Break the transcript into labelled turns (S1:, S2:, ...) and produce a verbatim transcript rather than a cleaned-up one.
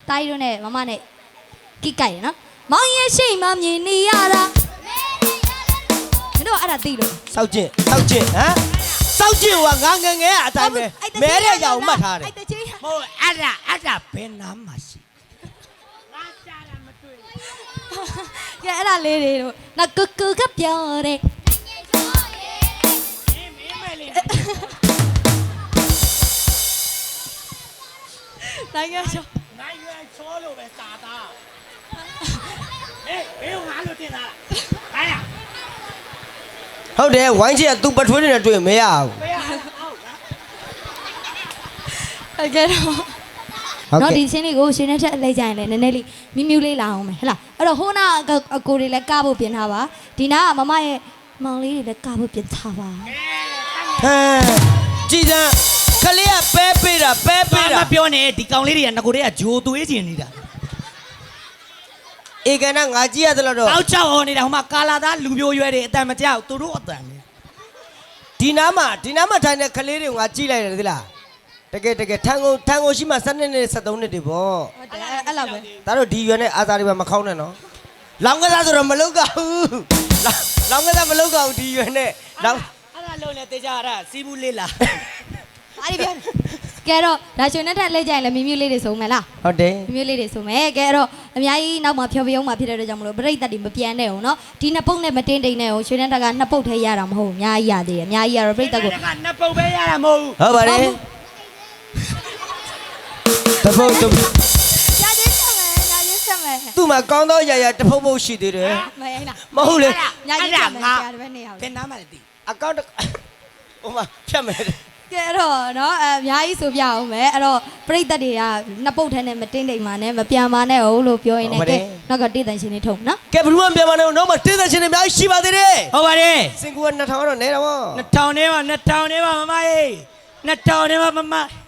S1: တားရီတို့နဲ့မမနဲ့ကိကြိုက်ရနော်မောင်ရဲ့ရှိမှမြင်နေရတာမင်းတို့အဲ့ဒါသိလို့
S2: စောက်ကျင့်စောက်ကျင့်ဟမ်စောက်ကျင့်ကငါငငယ်အတိုင်းပဲမဲတဲ့ကြောင်မှတ်ထားတယ်မဟုတ်အဲ့ဒါအဲ့ဒါဘယ်နာမှရှိငါရှာတာမတွေ့
S1: ကဲအဲ့ဒါလေးတွေတို့နော်ကူကူကပြောတယ်နိုင်ငံချော
S2: နိုင်ငံချောလို့ပဲစာသားဟေးဘယ်ငါလို့တင်တာလားဟာဟုတ်တယ်ဝိုင်းချီကသူ့ပထွေးနဲ့တွေ့မရဘူးမရဘူးဟုတ်လား
S1: ဟုတ်ကဲ့တော့နော်ဒီချင်းလေးကိုရှင်နဲ့ထက်လိုက်ကြရင်လည်းနည်းနည်းလေးမြူးမြူးလေးလာအောင်မယ်ဟဲ့လားအဲ့တော့ဟိုနာအကိုတွေလည်းကဖို့ပြင်ထားပါဒီနာကမမရဲ့မောင်လေးတွေလည်းကဖို့ပြင်ထားပါ
S2: ဟမ်ကြည်စမ်းခလေးကပဲပေးတာပဲပေးတာ
S3: မပြောနဲ့ဒီကောင်လေးတွေကငကိုတွေကဂျိုသွေးကျင်နေတာ
S2: ဧကနာငါကြည့်ရတယ်လို့တော့
S3: အောက်ချောက်ဟောနေတာဟိုမှာကာလာသားလူမျိုးရွယ်တွေအတန်မကြောက်သူတို့အတန်လေ
S2: ဒီနားမှာဒီနားမှာထိုင်တဲ့ခလေးတွေကိုငါကြည့်လိုက်တယ်သလားတကယ်တကယ်ထန်ကုန်ထန်ကုန်ရှိမှစနစ်နဲ့ဆက်သုံးနှစ်တွေပေါ့
S1: ဟုတ်တယ်အဲ့လောက်ပဲ
S2: ဒါတို့ဒီရွယ်နဲ့အာသာတွေမခေါင်းနဲ့နော်လောင်ကစားဆိုတော့မလုကဘူးလောင်ကစားမလုကဘူးဒီရွယ်နဲ့လောင်
S3: အဲ့ဒါလုံးနဲ့တေချာရတာစီးဘူးလေးလား
S1: အားရပြန်ကဲတော့ဒါရှင်နဲ့ထက်လိုက်ကြရင်လည်းမြူးမြူးလေးတွေစုံမယ်လား
S2: ဟုတ်တယ်
S1: မြူးမြူးလေးတွေစုံမယ်ကဲအဲ့တော့အများကြီးနောက်မှာဖြောပြုံးမှာဖြစ်တဲ့အတွက်ကြောင့်မလို့ပြိတ္တတွေမပြန်နဲ့အောင်နော်ဒီနှစ်ပုတ်နဲ့မတင်းတိန်နဲ့အောင်ရှင်နဲ့ထက်ကနှစ်ပုတ်ထဲရတာမဟုတ်အများကြီးရသေးတယ်အများကြီးရတော့ပြိတ္တကို
S3: နှစ်ပုတ်ပဲရတာမဟုတ်
S2: ဟုတ်ပါတယ်တပုတ်တပုတ်
S1: ရချင်းဆက်မယ်ရချင်းဆက်မယ်
S2: သူ့မှာကောင်းသောရရတပုတ်ပုတ်ရှိသေးတယ်
S1: မရလား
S2: မဟုတ်လေ
S1: ရချင်းဆက်မယ်ဆရာတပည့်နေရအောင်
S3: ဘယ်နားမှလည်းသိ
S2: အကောင့်ဟိုမှာဖြတ်မယ်
S1: ကဲတော့နော်အများကြီးဆိုပြအောင်မယ်အဲ့တော့ပြိတ္တတွေကနှစ်ပုတ်ထဲနဲ့မတင်းတိမ်မှာနဲ့မပြန်ပါနဲ့ဟုတ်လို့ပြောရင်းနဲ့ကဲနောက်ကတေးတန်ရှင်နေထုံနော်
S2: ကဲဘလူးမပြန်ပါနဲ့နောက်မှာတေးတန်ရှင်တွေအများကြီးရှိပါသေးတယ်
S3: ဟုတ်ပါတယ်
S2: စင်ကူကနှစ်ထောင်တော့နဲတော့
S3: နှစ်ထောင်ထဲမှာနှစ်ထောင်ထဲမှာမမရေးနှစ်ထောင်ထဲမှာမမ